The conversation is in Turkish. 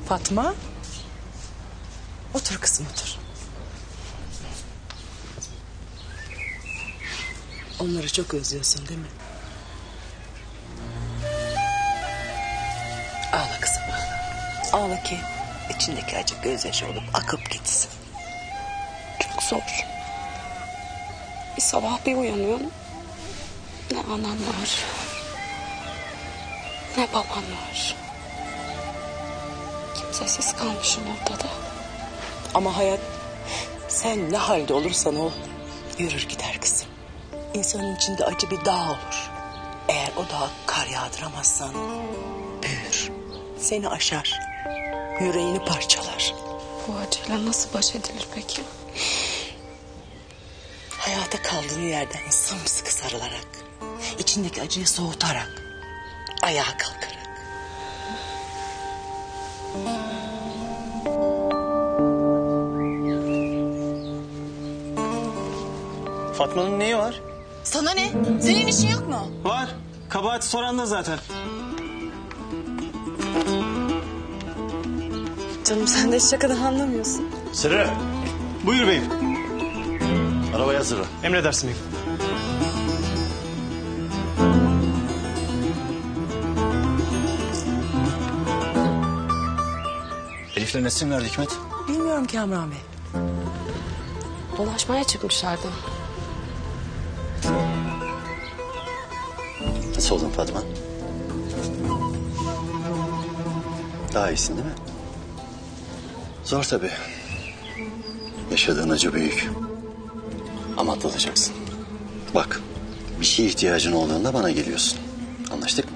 Fatma. Otur kızım otur. Onları çok özlüyorsun değil mi? Ağla kızım ağla. Ağla ki içindeki acı gözyaşı olup akıp gitsin. Çok zor. Bir sabah bir uyanıyorum. Ne anam var, ne babam var. Kimsesiz kalmışım ortada. Ama hayat sen ne halde olursan ol yürür gider kızım. İnsanın içinde acı bir dağ olur. Eğer o dağa kar yağdıramazsan büyür. Seni aşar. Yüreğini parçalar. Bu acıyla nasıl baş edilir peki? Hayata kaldığın yerden sımsıkı sarılarak, içindeki acıyı soğutarak, ayağa kalkarak. Fatma'nın neyi var? Sana ne? Senin işin yok mu? Var. Kabahati soran da zaten. Canım sen de hiç şakadan anlamıyorsun. Sırrı, Buyur beyim. arabaya hazırla. Emredersin beyim. Elif'le Nesrin nerede Hikmet? Bilmiyorum Kamran Bey. Dolaşmaya çıkmışlardı. Nasıl oldun Fatma? Daha iyisin değil mi? Zor tabii. Yaşadığın acı büyük. Ama atlatacaksın. Bak, bir şeye ihtiyacın olduğunda bana geliyorsun. Anlaştık mı?